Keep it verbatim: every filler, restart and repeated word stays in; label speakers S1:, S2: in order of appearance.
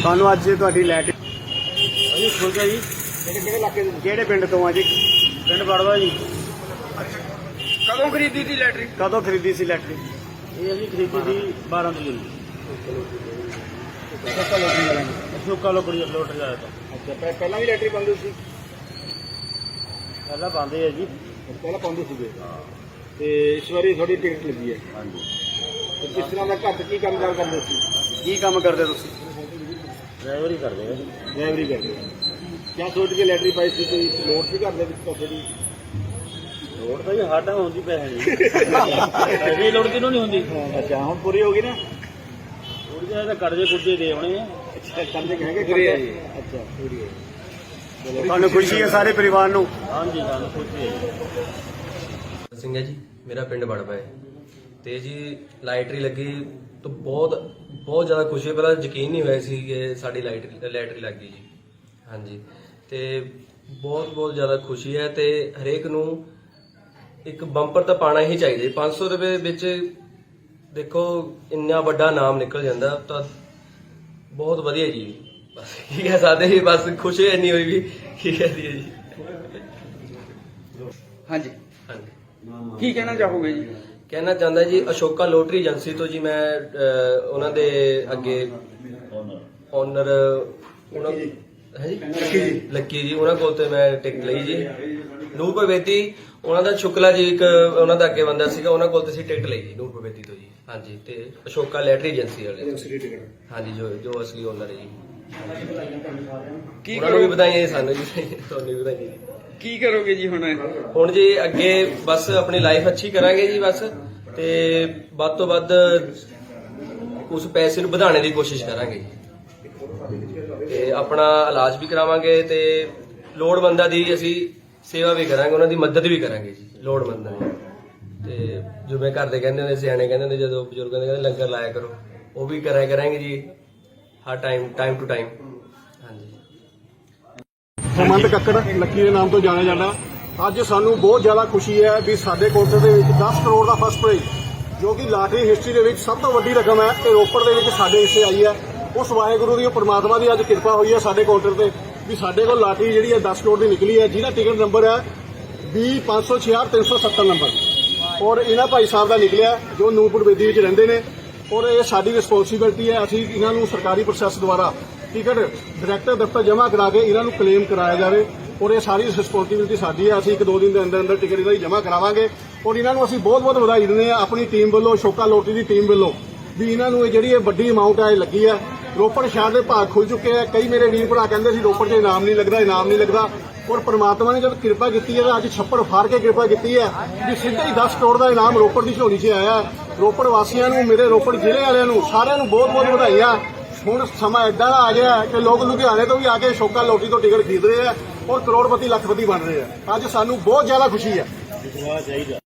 S1: ਸਾਨੂੰ ਅੱਜ ਤੁਹਾਡੀ ਲੈਟ
S2: ਜੀ ਠੀਕ ਹੈ ਜੀ।
S1: ਕਿਹੜੇ ਕਿਹੜੇ ਇਲਾਕੇ ਦੇ ਕਿਹੜੇ ਪਿੰਡ ਤੋਂ ਆ ਜੀ?
S2: ਪਿੰਡ ਬੜਵਾ ਜੀ।
S1: ਕਦੋਂ ਖਰੀਦੀ ਸੀ ਲੈਟਰੀ? ਕਦੋਂ ਖਰੀਦੀ ਸੀ ਲੈਟਰੀ?
S2: ਇਹ ਅਸੀਂ ਖਰੀਦੀ ਸੀ ਬਾਰਾਂ ਤਰੀਕ ਨੂੰ। ਅਸ਼ੋਕਾ ਲੋਕੜੀ ਲੋਟਰੀ ਆਇਆ ਤਾਂ।
S1: ਅੱਛਾ, ਪਹਿਲਾਂ ਵੀ ਲੈਟਰੀ ਪਾਉਂਦੇ ਸੀ?
S2: ਪਹਿਲਾਂ ਪਾਉਂਦੇ ਆ ਜੀ।
S1: ਪਹਿਲਾਂ ਪਾਉਂਦੇ ਸੀਗੇ ਤੇ ਇਸ ਵਾਰੀ ਤੁਹਾਡੀ ਟਿਕਟ ਲੱਗੀ ਹੈ।
S2: ਹਾਂਜੀ।
S1: ਤੇ ਕਿਸ ਤਰ੍ਹਾਂ ਦਾ ਘਰ 'ਚ ਕੀ ਕੰਮ ਕਾਰ ਕਰਦੇ ਸੀ? ਕੀ ਕੰਮ ਕਰਦੇ ਤੁਸੀਂ?
S2: ਡਰਾਈਵਰ ਹੀ ਕਰਦੇ ਆ।
S1: ਡਰਾਈਵਰੀ ਕਰਦੇ ਕਿਆ ਸੋਚ ਕੇ ਲੈਟਰੀ ਪਾਈ ਸੀ? ਕੋਈ ਲੋੜ ਸੀ ਘਰ ਦੇ ਵਿੱਚ ਪੈਸੇ ਦੀ?
S2: ਲੋੜ ਤਾਂ ਜੀ ਸਾਡਾ ਹੁੰਦੀ ਪੈਸੇ ਦੀ। ਪੈਸੇ ਲੋੜ ਕਿਹਨੂੰ ਨਹੀਂ ਹੁੰਦੀ?
S1: ਅੱਛਾ, ਹੁਣ ਪੂਰੀ ਹੋ ਗਈ ਨਾ?
S2: ਥੋੜੀ ਜਿਹੀ ਤਾਂ ਕਰਜ਼ੇ ਕੁਰਜ਼ੇ ਦੇ ਆਉਣੇ ਆ।
S1: ਅੱਛਾ, ਕਰਜ਼ੇ ਹੈਗੇ ਪੂਰੀ ਹੈ ਜੀ। ਅੱਛਾ, ਪੂਰੀ ਹੈ। ਚਲੋ, ਤੁਹਾਨੂੰ ਖੁਸ਼ੀ ਹੈ ਸਾਰੇ ਪਰਿਵਾਰ ਨੂੰ?
S2: ਹਾਂਜੀ, ਸਾਨੂੰ ਖੁਸ਼ੀ ਹੈ ਜੀ।
S3: ਸਿੰਘ ਹੈ ਜੀ, ਮੇਰਾ ਪਿੰਡ ਬੜਵਾ ਹੈ ਤੇ ਜੀ ਲਾਈਟਰੀ ਲੱਗੀ ਤਾਂ ਬਹੁਤ ਬਹੁਤ ਜ਼ਿਆਦਾ ਖੁਸ਼ੀ ਹੈ। ਪਹਿਲਾਂ ਯਕੀਨ ਨਹੀਂ ਹੋਇਆ ਸੀ ਕਿ ਸਾਡੀ ਲਾਈਟਰੀ ਲਾਈਟਰੀ ਲੱਗ ਗਈ ਜੀ। ਹਾਂਜੀ, ਤੇ ਬਹੁਤ ਬਹੁਤ ਜ਼ਿਆਦਾ ਖੁਸ਼ੀ ਹੈ ਤੇ ਹਰੇਕ ਨੂੰ ਇੱਕ ਬੰਪਰ ਤਾਂ ਪਾਣਾ ਹੀ ਚਾਹੀਦਾ। ਪੰਜ ਸੌ ਰੁਪਏ ਵਿੱਚ ਦੇਖੋ ਇੰਨਾ ਵੱਡਾ ਨਾਮ ਨਿਕਲ ਜਾਂਦਾ ਤਾਂ ਬਹੁਤ ਵਧੀਆ ਜੀ। ਬਸ ਕੀ ਕਹਿ ਸਕਦੇ ਜੀ, ਬਸ ਖੁਸ਼ੀ ਇੰਨੀ ਹੋਈ ਵੀ ਕੀ ਕਹਦੀ ਹੈ ਜੀ।
S1: ਹਾਂਜੀ
S3: ਹਾਂਜੀ,
S1: ਕੀ ਕਹਿਣਾ ਚਾਹੋਗੇ ਜੀ?
S3: ਕਹਿਣਾ ਚਾਹੁੰਦਾ ਜੀ ਅਸ਼ੋਕਾ ਲੋਟਰੀ ਏਜੰਸੀ ਤੋਂ ਜੀ ਮੈਂ ਅਹ, ਉਹਨਾਂ ਦੇ ਅੱਗੇ ਓਨਰ ਉਹਨਾਂ ਹੈ ਜੀ ਲੱਕੀ ਜੀ ਲੱਕੀ ਜੀ ਉਹਨਾਂ ਕੋਲ ਤੇ ਮੈਂ ਟਿਕਟ ਲਈ ਜੀ। ਨੂਰ ਬੇਦੀ ਉਹਨਾਂ ਦਾ ਸ਼ੁਕਲਾ ਜੀ ਇੱਕ ਉਹਨਾਂ ਦਾ ਅੱਗੇ ਬੰਦਾ ਸੀਗਾ, ਉਹਨਾਂ ਕੋਲ ਤੇ ਅਸੀਂ ਟਿਕਟ ਲਈ ਜੀ ਨੂਰ ਬੇਦੀ ਤੋਂ ਜੀ। ਹਾਂਜੀ, ਤੇ ਅਸ਼ੋਕਾ ਲੈਟਰੀ ਏਜੰਸੀ ਵਾਲੇ ਹਾਂਜੀ, ਜੋ ਜੋ ਅਸਲੀ ਓਨਰ ਹੈ ਜੀ।
S1: ਕੀ
S3: ਉਹਨਾਂ ਨੂੰ ਵੀ ਵਧਾਈਆਂ ਜੀ, ਸਾਨੂੰ ਜੀ ਤੁਹਾਨੂੰ ਵੀ ਵਧਾਈਆਂ ਜੀ।
S1: ਕੀ ਕਰੋਗੇ ਜੀ ਹੁਣ?
S3: ਹੁਣ ਜੀ ਅੱਗੇ ਬਸ ਆਪਣੀ ਲਾਈਫ ਅੱਛੀ ਕਰਾਂਗੇ ਜੀ ਬਸ, ਤੇ ਵੱਧ ਤੋਂ ਵੱਧ ਉਸ ਪੈਸੇ ਨੂੰ ਵਧਾਉਣ ਦੀ ਕੋਸ਼ਿਸ਼ ਕਰਾਂਗੇ ਤੇ ਆਪਣਾ ਇਲਾਜ ਵੀ ਕਰਾਵਾਂਗੇ ਤੇ ਲੋੜਵੰਦਾਂ ਦੀ ਅਸੀਂ ਸੇਵਾ ਵੀ ਕਰਾਂਗੇ, ਉਹਨਾਂ ਦੀ ਮਦਦ ਵੀ ਕਰਾਂਗੇ ਜੀ ਲੋੜਵੰਦਾਂ ਦੀ। ਤੇ ਜਿਵੇਂ ਘਰ ਦੇ ਕਹਿੰਦੇ ਹੁੰਦੇ, ਸਿਆਣੇ ਕਹਿੰਦੇ ਹੁੰਦੇ, ਜਦੋਂ ਬਜ਼ੁਰਗਾਂ ਦੇ ਕਹਿੰਦੇ ਲੰਗਰ ਲਾਇਆ ਕਰੋ, ਉਹ ਵੀ ਕਰਾਇਆ ਕਰਾਂਗੇ ਜੀ ਹਰ ਟਾਈਮ ਟਾਈਮ ਟੂ ਟਾਈਮ। ਹਾਂਜੀ,
S1: ਹਰਮੰਦ ਕੱਕੜ ਲੱਕੀ ਦੇ ਨਾਮ ਤੋਂ ਜਾਣਿਆ ਜਾਂਦਾ। ਅੱਜ ਸਾਨੂੰ ਬਹੁਤ ਜ਼ਿਆਦਾ ਖੁਸ਼ੀ ਹੈ ਵੀ ਸਾਡੇ ਕਾਊਂਟਰ ਦੇ ਵਿੱਚ ਦਸ ਕਰੋੜ ਦਾ ਫਸਟ ਪ੍ਰਾਈਜ਼, ਜੋ ਕਿ ਲਾਟਰੀ ਹਿਸਟਰੀ ਦੇ ਵਿੱਚ ਸਭ ਤੋਂ ਵੱਡੀ ਰਕਮ ਹੈ, ਤੇ ਰੋਪੜ ਦੇ ਵਿੱਚ ਸਾਡੇ ਹਿੱਸੇ ਆਈ ਹੈ। ਉਸ ਵਾਹਿਗੁਰੂ ਦੀ ਪਰਮਾਤਮਾ ਦੀ ਅੱਜ ਕਿਰਪਾ ਹੋਈ ਹੈ ਸਾਡੇ ਕਾਊਂਟਰ ਤੇ ਵੀ ਸਾਡੇ ਕੋਲ ਲਾਟਰੀ ਜਿਹੜੀ ਹੈ ਦਸ ਕਰੋੜ ਦੀ ਨਿਕਲੀ ਹੈ, ਜਿਹਦਾ ਟਿਕਟ ਨੰਬਰ ਹੈ ਵੀਹ ਪੰਜ ਸੌ ਛਿਆਹਠ ਤਿੰਨ ਸੌ ਸੱਤਰ ਨੰਬਰ, ਔਰ ਇਹਨਾਂ ਭਾਈ ਸਾਹਿਬ ਦਾ ਨਿਕਲਿਆ ਜੋ ਨੂਰਪੁਰ ਬੇਦੀ ਵਿੱਚ ਰਹਿੰਦੇ ਨੇ। ਔਰ ਇਹ ਸਾਡੀ ਰਿਸਪੌਂਸਿਬਿਲਟੀ ਹੈ, ਅਸੀਂ ਇਹਨਾਂ ਨੂੰ ਸਰਕਾਰੀ ਪ੍ਰੋਸੈਸ ਦੁਆਰਾ ਟਿਕਟ ਡਾਇਰੈਕਟਰ ਦਫ਼ਤਰ ਜਮ੍ਹਾਂ ਕਰਾ ਕੇ ਇਹਨਾਂ ਨੂੰ ਕਲੇਮ ਕਰਾਇਆ ਜਾਵੇ, ਔਰ ਇਹ ਸਾਰੀ ਰਿਸਪੌਂਸਿਬਿਲਟੀ ਸਾਡੀ ਹੈ। ਅਸੀਂ ਇੱਕ ਦੋ ਦਿਨ ਦੇ ਅੰਦਰ ਅੰਦਰ ਟਿਕਟ ਇਹਨਾਂ ਦੀ ਜਮ੍ਹਾਂ ਕਰਾਵਾਂਗੇ, ਔਰ ਇਹਨਾਂ ਨੂੰ ਅਸੀਂ ਬਹੁਤ ਬਹੁਤ ਵਧਾਈ ਦਿੰਦੇ ਹਾਂ ਆਪਣੀ ਟੀਮ ਵੱਲੋਂ, ਅਸ਼ੋਕਾ ਲੋਟਰੀ ਦੀ ਟੀਮ ਵੱਲੋਂ, ਵੀ ਇਹਨਾਂ ਨੂੰ ਇਹ ਜਿਹੜੀ ਇਹ ਵੱਡੀ ਅਮਾਊਂਟ ਹੈ ਲੱਗੀ ਹੈ। ਰੋਪੜ ਸ਼ਹਿਰ ਦੇ ਭਾਗ ਖੁੱਲ ਚੁੱਕੇ ਆ। ਕਈ ਮੇਰੇ ਵੀਰ ਭਰਾ ਕਹਿੰਦੇ ਸੀ ਰੋਪੜ 'ਚ ਇਨਾਮ ਨਹੀਂ ਲੱਗਦਾ, ਇਨਾਮ ਨਹੀਂ ਲੱਗਦਾ, ਔਰ ਪਰਮਾਤਮਾ ਨੇ ਜਦ ਕਿਰਪਾ ਕੀਤੀ ਹੈ ਤਾਂ ਅੱਜ ਛੱਪੜ ਫਾੜ ਕੇ ਕਿਰਪਾ ਕੀਤੀ ਹੈ ਵੀ ਸਿੱਧਾ ਹੀ ਦਸ ਕਰੋੜ ਦਾ ਇਨਾਮ ਰੋਪੜ ਦੀ ਝੋਲੀ 'ਚ ਆਇਆ। ਰੋਪੜ ਵਾਸੀਆਂ ਨੂੰ, ਮੇਰੇ ਰੋਪੜ ਜ਼ਿਲ੍ਹੇ ਵਾਲਿਆਂ ਨੂੰ, ਸਾਰਿਆਂ ਨੂੰ ਬਹੁਤ ਬਹੁਤ ਵਧਾਈਆਂ। ਹੁਣ ਸਮਾਂ ਏਦਾਂ ਦਾ ਆ ਗਿਆ ਕਿ ਲੋਕ ਲੁਧਿਆਣੇ ਤੋਂ ਵੀ ਆ ਕੇ ਅਸ਼ੋਕਾ ਲੋਟਰੀ ਤੋਂ ਟਿਕਟ ਖਰੀਦ ਰਹੇ ਆ ਔਰ ਕਰੋੜਪਤੀ ਲੱਖਪਤੀ ਬਣ ਰਹੇ ਆ। ਅੱਜ ਸਾਨੂੰ ਬਹੁਤ ਜ਼ਿਆਦਾ ਖੁਸ਼ੀ ਹੈ।